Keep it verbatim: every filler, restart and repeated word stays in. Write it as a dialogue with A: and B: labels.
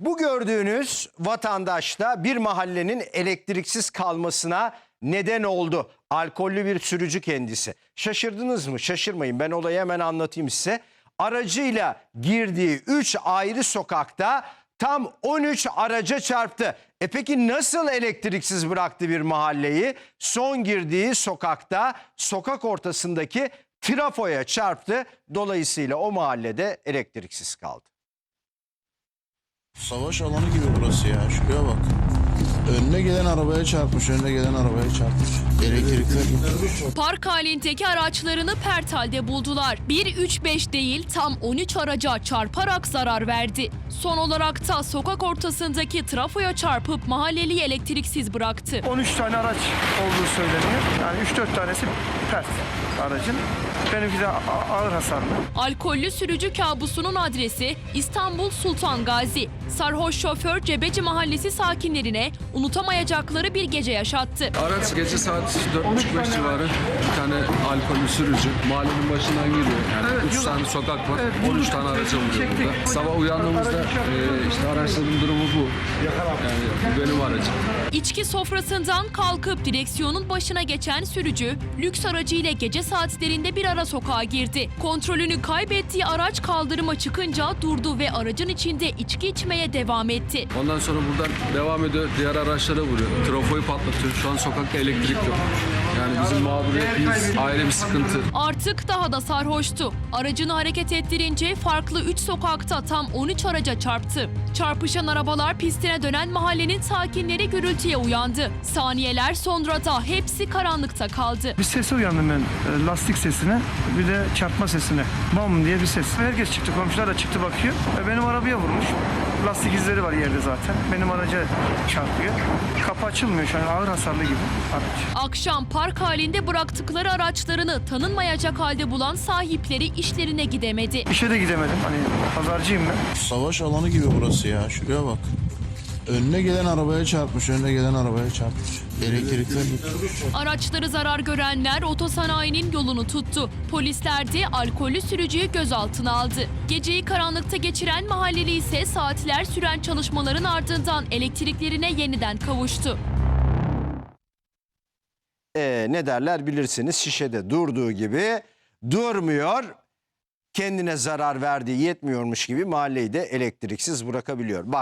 A: Bu gördüğünüz vatandaş da bir mahallenin elektriksiz kalmasına neden oldu. Alkollü bir sürücü kendisi. Şaşırdınız mı? Şaşırmayın, ben olayı hemen anlatayım size. Aracıyla girdiği üç ayrı sokakta tam on üç araca çarptı. E peki nasıl elektriksiz bıraktı bir mahalleyi? Son girdiği sokakta sokak ortasındaki trafoya çarptı. Dolayısıyla o mahallede elektriksiz kaldı.
B: Savaş alanı gibi burası ya. Şuraya bak. Önüne gelen arabaya çarpmış, önüne gelen arabaya çarpmış. Elektrikler gitmiş.
C: Park halindeki araçlarını pert halde buldular. bir üç beş değil tam on üç araca çarparak zarar verdi. Son olarak da sokak ortasındaki trafoya çarpıp mahalleliyi elektriksiz bıraktı.
D: on üç tane araç olduğu söyleniyor. Yani üç dört tanesi pert aracın. Benimki de ağır hasarlı.
C: Alkollü sürücü kabusunun adresi İstanbul Sultan Gazi. Sarhoş şoför Cebeci Mahallesi sakinlerine unutamayacakları bir gece yaşattı.
E: Araç gece saat dört buçuk beş civarı bir tane alkollü sürücü mahallenin başından giriyor. Yani
D: Evet,
E: üç
D: yok.
E: tane sokak var,
D: Evet,
E: on üç tane araca vuruyor
D: çektik.
E: burada. Sabah uyandığımızda e, işte araçların durumu bu. Yani bu benim aracım.
C: İçki sofrasından kalkıp direksiyonun başına geçen sürücü lüks aracıyla gece saatlerinde bir ara sokağa girdi. Kontrolünü kaybettiği araç kaldırıma çıkınca durdu ve aracın içinde içki içmeye devam etti.
E: Ondan sonra buradan devam ediyor, diğer araçlara vuruyor. Trafoyu patlatıyor. Şu an sokakta elektrik yok. Yani bizim mağduriyetimiz ayrı bir sıkıntı.
C: Artık daha da sarhoştu. Aracını hareket ettirince farklı üç sokakta tam on üç araca çarptı. Çarpışan arabalar pistine dönen mahallenin sakinleri gürültüye uyandı. Saniyeler sonra da hepsi karanlıkta kaldı.
D: Bir sese uyandım ben, e, lastik sesine, bir de çarpma sesine. Bam diye bir ses. Herkes çıktı, komşular da çıktı bakıyor. E, benim arabaya vurmuş. Lastik izleri var yerde zaten. Benim araca çarpıyor. Kapı açılmıyor şu an, ağır hasarlı gibi araç.
C: Akşam park halinde bıraktıkları araçlarını tanınmayacak halde bulan sahipleri işlerine gidemedi.
D: İşe de gidemedim. Hani pazarcıyım ben.
B: Savaş alanı gibi burası ya. Şuraya bak. Önüne gelen arabaya çarpmış, önüne gelen arabaya çarpmış. Elektrikler gitmiş.
C: Araçları zarar görenler otosanayinin yolunu tuttu. Polisler de alkollü sürücüyü gözaltına aldı. Geceyi karanlıkta geçiren mahalleli ise saatler süren çalışmaların ardından elektriklerine yeniden kavuştu.
A: Ee, ne derler bilirsiniz, şişede durduğu gibi durmuyor. Kendine zarar verdiği yetmiyormuş gibi mahalleyi de elektriksiz bırakabiliyor. Bak.